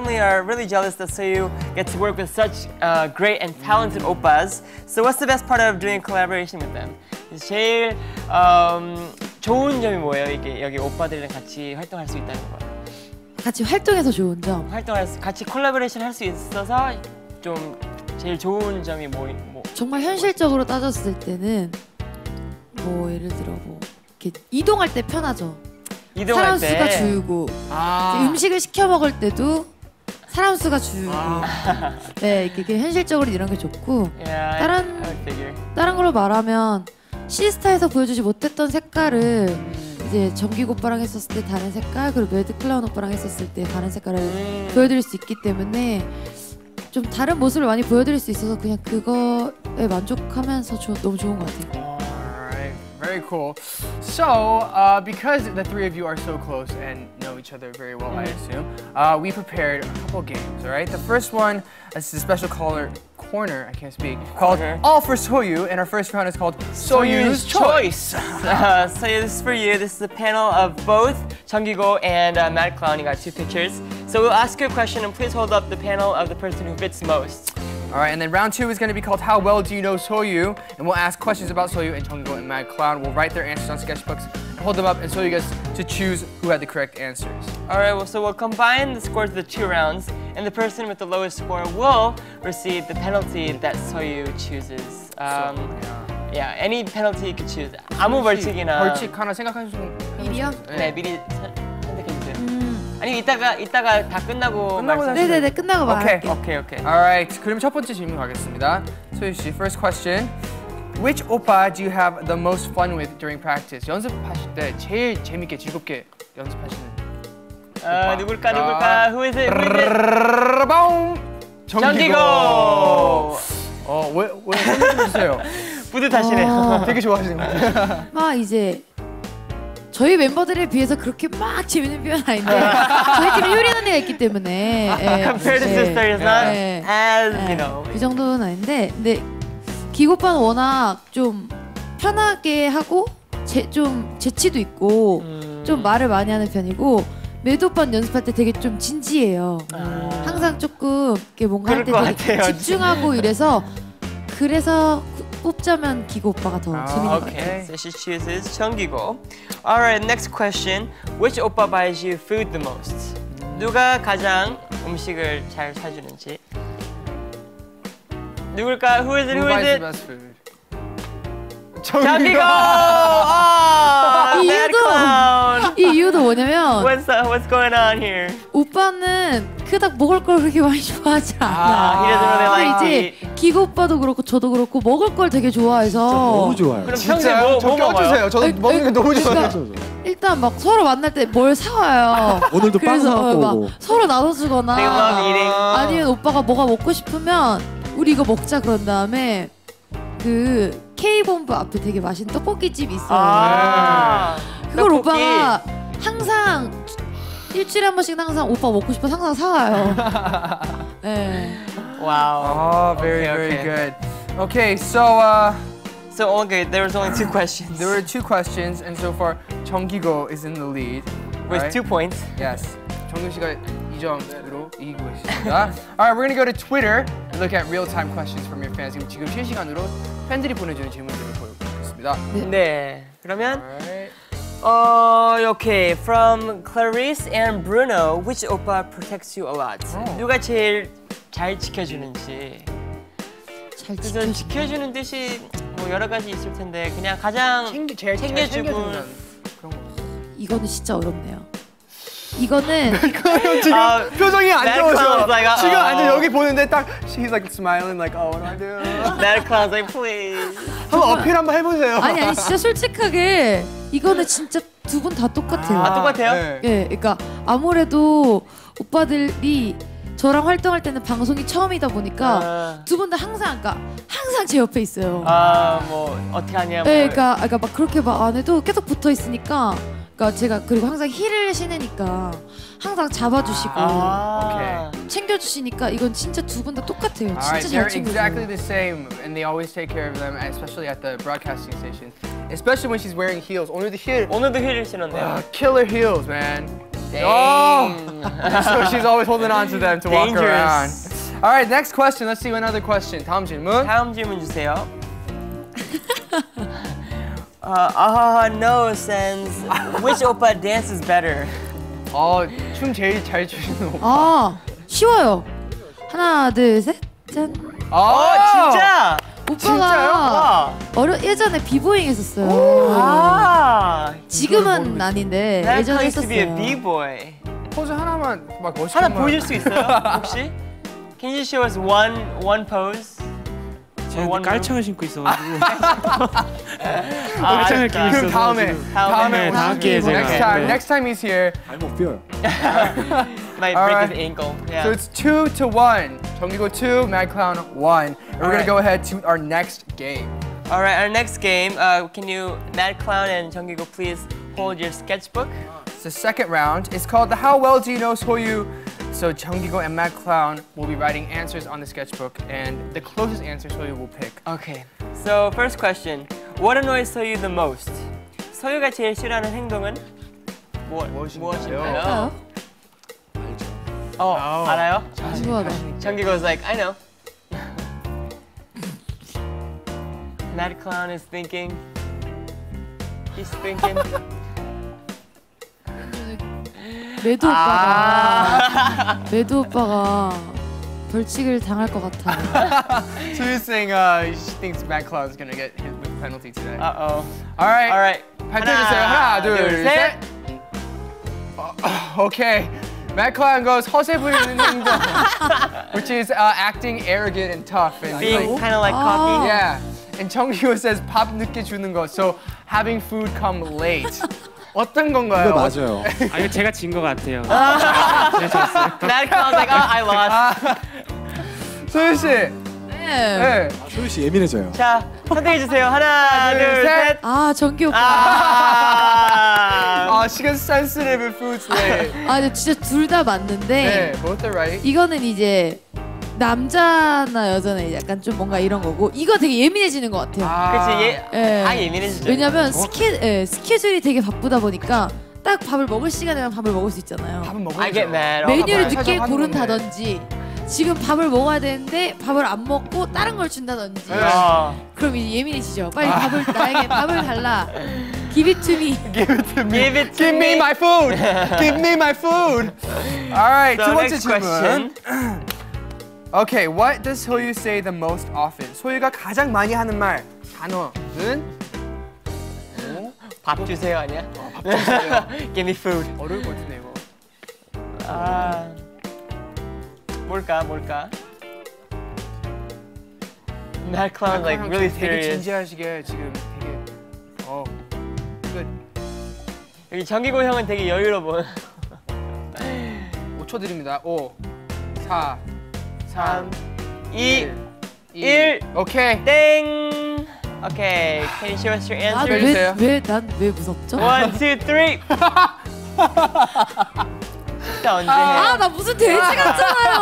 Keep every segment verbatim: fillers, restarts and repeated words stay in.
family are really jealous that Soyu gets to work with such uh, great and talented oppas. So what's the best part of doing collaboration with them? 제일 um, 좋은 점이 뭐예요? 이게 여기 오빠들이랑 같이 활동할 수 있다는 거. 같이 활동해서 좋은 점. 활동할 수, 같이 콜라보레이션 할 수 있어서 좀 제일 좋은 점이 뭐, 뭐 정말 현실적으로 따졌을 때는 뭐 예를 들어 뭐 이렇게 이동할 때 편하죠. 이동할 사람 때. 수가 줄고 아. 음식을 시켜 먹을 때도 사람 수가 줄고 아. 네 이렇게 현실적으로 이런 게 좋고 yeah, 다른 I, I 다른 걸로 말하면 시스타에서 보여주지 못했던 색깔을 음. 이제 정기 오빠랑 했었을 때 다른 색깔 그리고 매드 클라운 오빠랑 했었을 때 다른 색깔을 음. 보여드릴 수 있기 때문에 좀 다른 모습을 많이 보여드릴 수 있어서 그냥 그거에 만족하면서 조, 너무 좋은 것 같아요. Alright, very cool. So, uh, because the three of you are so close and know each other very well, I assume, uh, we prepared a couple games. All right. The first one is a special caller corner. I can't speak. Called okay. All for Soyu, and our first round is called Soyu's Choice. uh, so this is for you. This is a panel of both Jeonggigo and uh, Mad Clown. You got two pictures. So we'll ask you a question, and please hold up the panel of the person who fits most. All right, and then round two is going to be called How Well Do You Know Soyu? And we'll ask questions about Soyu and Jeonggigo and Mad Clown. We'll write their answers on sketchbooks and hold them up, and Soyu gets to choose who had the correct answers. All right, well, so we'll combine the scores of the two rounds, and the person with the lowest score will receive the penalty that Soyu chooses. Um, so, yeah, any penalty you could choose. 아무 벌칙이나. 벌칙 하나 생각하시면. 미리요? 네, 미리 선택해주세요. 음. 아니 이따가 이따가 다 끝나고. 끝나고 말씀. 네네네 끝나고 말할게요. 오케이 오케이. Alright, 그럼 첫 번째 질문 가겠습니다. 소유 씨, first question. Which oppa do you have the most fun with during practice? 연습하실 때 제일 재밌게 즐겁게 연습하시는. 아 누굴까 누굴까? Who is it? Who is it? 정기고. 어왜 왜 선물 주세요? 뿌듯하시네요. 어. 되게 좋아하시는 것 같아요. 막 이제 저희 멤버들에 비해서 그렇게 막 재밌는 표현 아닌데 저희 팀에 효린 언니가 있기 때문에 Compared to sisters, not 네, as 네, you know. 그 정도는 아닌데 근데 기고 오빠는 워낙 좀 편하게 하고 제, 좀 재치도 있고 음. 좀 말을 많이 하는 편이고 매드 오빠는 연습할 때 되게 좀 진지해요. 음. 항상 조금 이렇게 뭔가 할 때 그럴 것 되게 같아요, 집중하고 이래서 그래서 뽑자면 기고 오빠가 더 아, 재밌는 것 Okay, 같아요. so she chooses Jeonggigo. Alright, next question. Which oppa buys you food the most? 누가 가장 음식을 잘 사주는지. 누굴까? Who is it? Who is it? best food? Jeonggigo! Oh, 이 Mad 이유도 Clown! 이 이유도 뭐냐면 What's uh, what's going on here? 오빠는 그닥 먹을 걸 그렇게 많이 좋아하지 않아. Ah, he doesn't really like to 근데 eat. 이제 기고 오빠도 그렇고 저도 그렇고 먹을 걸 되게 좋아해서 너무 좋아요. 그럼 평소에 뭐, 저 뭐 먹어요? 껴주세요. 저도 에이, 먹는 거 에이, 너무 그러니까 좋아해요. 일단 막 서로 만날 때 뭘 사와요. 오늘도 빵 그래서 사갖고 막 오고. 서로 나눠주거나 They love eating. 아니면 오빠가 뭐가 먹고 싶으면 우리 이거 먹자 그런 다음에 그 K본부 앞에 되게 맛있는 떡볶이집이 있어요. 아, 그걸 떡볶이. 오빠가 항상 일주일에 한 번씩 항상 오빠 먹고 싶어서 항상 사와요. 네. Wow. Oh, very, Okay, very okay. good. Okay, so uh, So okay, there was only two questions. there were two questions, and so far, Jeonggigo is in the lead. with right? two points. Yes. 정규 씨가 이 점으로 이기고 있습니다. Alright, we're gonna go to Twitter and look at real-time questions from your fans. 지금 실시간으로 팬들이 보내주는 질문들을 보여드리겠습니다. 네. 그러면 Alright. 어, okay. From Clarice and Bruno, which oppa protects you a lot? 어. 누가 제일 잘 지켜주는지. 잘 그래서 지켜주. 지켜주는 뜻이 뭐 여러 가지 있을 텐데 그냥 가장 챙기, 제일 잘 챙겨주고 챙겨주는 그런 거. 이거는 진짜 어렵네요. 이거는 지금 아, 표정이 안 Mad 좋으셔. Clown's like, uh, 지금 uh, 완전 여기 보는데 딱 she's like smiling like oh what do I do? Mad Clown's like please. 한번 어필 한번 해보세요. 아니 아니 진짜 솔직하게 이거는 진짜 두 분 다 똑같아요. 아, 똑같아요? 네. 예, 그러니까 아무래도 오빠들이 저랑 활동할 때는 방송이 처음이다 보니까 아, 두 분 다 항상 그러니까 항상 제 옆에 있어요. 아, 뭐 어떻게 하냐. 뭐. 네, 그러니까, 그러니까 막 그렇게 막 안 해도 계속 붙어 있으니까, 그러니까 제가 그리고 항상 힐을 신으니까 항상 잡아주시고 아, 챙겨주시니까 이건 진짜 두 분 다 똑같아요. Alright, 진짜 잘 they're exactly 챙겨줘요. the same, and they always take care of them, especially at the broadcasting station. Especially when she's wearing heels. 오늘도 힐, 오늘도 힐을 신었네요. uh, killer heels, man. Oh, so she's always holding on to them to walk around. Dangerous. All right, next question. Let's see another question. 다음 질문. 다음 질문 주세요. uh, ah no sends which oppa dances better? 어, 춤 제일 잘 추시는 오빠. 아 쉬워요. 하나 둘 셋 짠. 어 진짜? 오빠가 와. 어려 예전에 비보잉 했었어요. 아. 지금은 아닌데 That 예전에 used to be a 했었어요. 네. b-boy. 포즈 하나만 막 멋있게. 하나 보여줄 수 있어요? 혹시? Can you show us one one pose? 제가 one 깔창을 신고 있어가지고 아, 깔창을 알았다. 끼고 있어서 그럼 다음에 지금. 다음에 네, 다음 기회에 제가. Next time, 네. next time he's here. 발목 뼈요. Might All break right. his ankle. Yeah. So it's two to one. 정기고 two, Mad Clown one. And we're All gonna right. go ahead to our next game. All right, our next game. Uh, can you, Mad Clown and Jungkook, please hold your sketchbook? It's the second round. It's called the How Well Do You Know Soyu. So Jungkook and Mad Clown will be writing answers on the sketchbook, and the closest answer Soyu will pick. Okay. So first question. What annoys Soyu the most? 소유가 제일 싫어하는 행동은 무엇, 무엇인가요? 무엇인가요? 알아요? 알죠. 어, Oh. 알아요? 궁금하다. Jungkook was like, I know. Mad Clown is thinking. He's thinking. 매도 오빠가 매도 오빠가 벌칙을 당할 것 같아요. Soyu's saying uh, she thinks Mad Clown's gonna get hit with penalty today. Uh oh. All right. All right. 발표해주세요. 하나, 둘, 둘, 셋. 어, 어, okay. Mad Clown goes 허세 부리는 행동, which is uh, acting arrogant and tough and Being like, kind of like Oh. cocky. yeah. And Jungkook says 밥 늦게 주는 거, so having food come late. 어떤 건가요? 이거 맞아요. 아 이거 제가 진 것 같아요. 제가 졌어요. Mad Clown's like, oh, I lost. 소유 씨. 네. 네. 소유 씨 예민해져요. 자, 선택해 주세요. 하나, 둘, 둘, 셋. 셋. 아 정기 오빠. 아. 아, she gets sensitive if food's late. 아 근데 진짜 둘 다 맞는데 네, both are right. 이거는 이제 남자나 여자는 약간 좀 뭔가 이런 거고 이거 되게 예민해지는 것 같아요. 그치, 얘, 예. 다 예민해지죠. 왜냐면 스케, 예, 스케줄이 되게 바쁘다 보니까 딱 밥을 먹을 시간에만 밥을 먹을 수 있잖아요. 밥은 먹어야죠. I get mad. 메뉴를 밥을 늦게 살짝 하는 고른다든지 지금 밥을 먹어야 되는데 밥을 안 먹고 다른 걸 준다든지 어. 그럼 이제 예민해지죠. 빨리 밥을 나에게 밥을 달라. Give it to me. Give it to me. Give it to Give me me. my food. Give me my food. All right, So 두 번째 next 질문. question. Okay, what does 소유 say the most often? 소유가 가장 많이 하는 말 단어는 밥 주세요 아니야? Give me food. 어려울 것 같은데 이거. 아, 뭘까, 뭘까? Mad Clown like really 되게 serious. 진지하시게 지금 되게 어 끝. 여기 정기고 형은 되게 여유로워. 오 초 드립니다. 오, 사, 삼, 이, 일. 일. 오케이. 땡. Okay, can you show us your answers? 해주세요. 아왜왜난 왜 무섭죠? One, two, three. 진짜 언제 해? 아 나 무슨 돼지 같잖아요.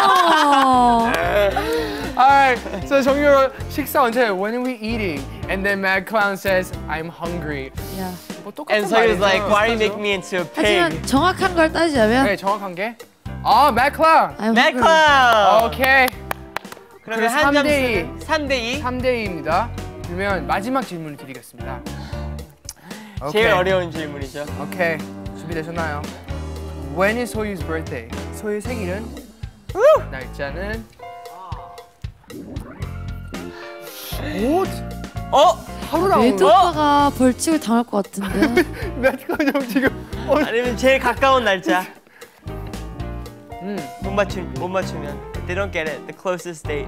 Alright, so 정유로 식사 언제? When are we eating? And then Mad Clown says, I'm hungry. 야, 뭐 똑같은 And so he was 말이죠. like, why do you make me into a 하지만 pig? 정확한 걸 따지자면 네, 정확한 게. 아, Mad Clown. I'm Mad hungry. Clown. 오케이. 그러면 그래서 한 삼 대 점수는 삼 대 이. 삼 대 이입니다. 그러면 마지막 질문을 드리겠습니다. 오케이. 제일 어려운 질문이죠. 오케이. 준비되셨나요? When is 소유's birthday? 소유 생일은? 날짜는? 오, 어? 하루 나오는 매도 오빠가 벌칙을 당할 것 같은데. 매트콘 형 지금. 어, 아니면 제일 가까운 날짜. 음. 못 맞추 못 맞추면 they don't get it. The closest date.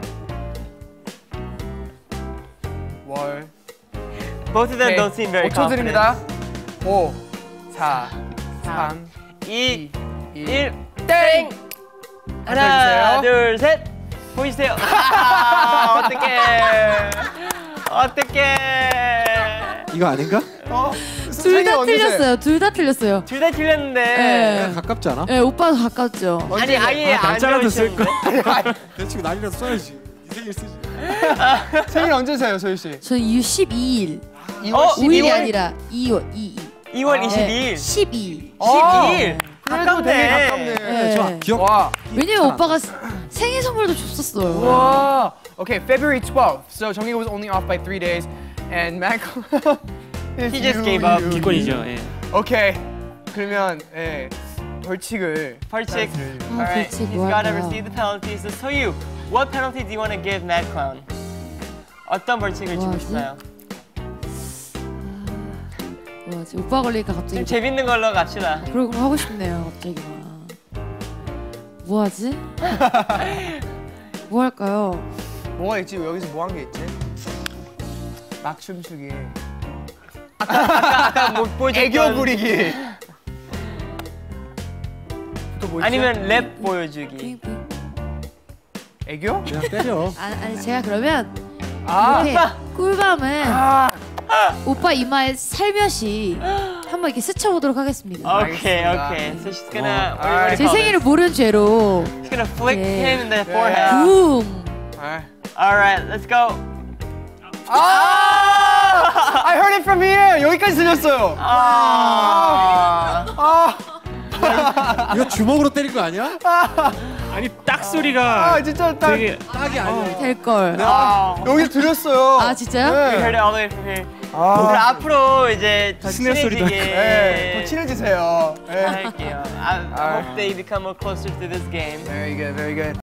월. Both of them don't seem very 오 초 confident. 드립니다. 오, 사, 삼, 이, 일. 일. 땡! 하나, 앉아주세요. 둘, 셋. 보이세요? 아, 어떡해. 어떡해. 이거 아닌가? 어? 둘 다 틀렸어요. 둘 다 틀렸어요. 둘 다 틀렸는데. 네. 가깝지 않아? 네, 오빠도 가깝죠. 아니, 아예 아, 안 날짜라도 쓸 적으셨는데. 대충 날이라도 써야지. 이 생일 쓰지. 생일 언제세요, 소유 씨? 저는 이월 십이일. 어? 오 일이 이월? 아니라 이월 이이. 이월 네, 이십이일. 십이. 어. 십이일. 그래도 되게 가깝네. 가깝네. 네. 좋아. 기억. 와. 왜냐면 오빠가 스- 생일 선물도 줬었어요. Whoa. Okay, February twelfth. So Jonghyun was only off by three days, and Mac. He just gave up. 기권이죠. 예. Okay. 그러면 예 벌칙을. 벌칙. 아, Alright, 벌칙 he's 뭐 gotta 할까요? receive the penalty. So Soyu, what penalty do you want to give Mad Clown? 어떤 벌칙을 주고 뭐하지? 싶나요? 뭐지? 오빠 걸리니까 갑자기 좀 재밌는 걸로 갑시다. 그런 거 하고 싶네요. 갑자기 막. 뭐 하지? 뭐 할까요? 뭐가 있지? 여기서 뭐 한 게 있지? 막 춤추기. 아까 못 보여줬던 애교 부리기. 또 뭐 있지? 아니면 랩 보여주기. 애교? 그냥 때려. 아, 아니 제가 그러면 아. 이렇게 꿀밤을 아. 오빠 이마에 살며시 한번 이렇게 스쳐보도록 하겠습니다. Okay, 알겠습니다. okay. So she's gonna. what do you- what do you alright. 제 call 생일을 this? 모른 죄로 She's gonna flick 네. him in the 네. forehead. 붐! 아. Alright, let's go. 아! I heard it from here. 여기까지 들렸어요. 아. 아. 이거 주먹으로 때린 거 아니야? 아니 딱 소리가 아, 진짜 딱. 되게 딱이 아니야. 될걸. 아. 여기서 들렸어요. 아 진짜요? We 네. heard it all the way from here. 아. 그럼 앞으로 이제 더 스냅 소리도 친해지게 네. 더 친해지세요. 네. 할게요. I hope they become more closer to this game. Very good, very good.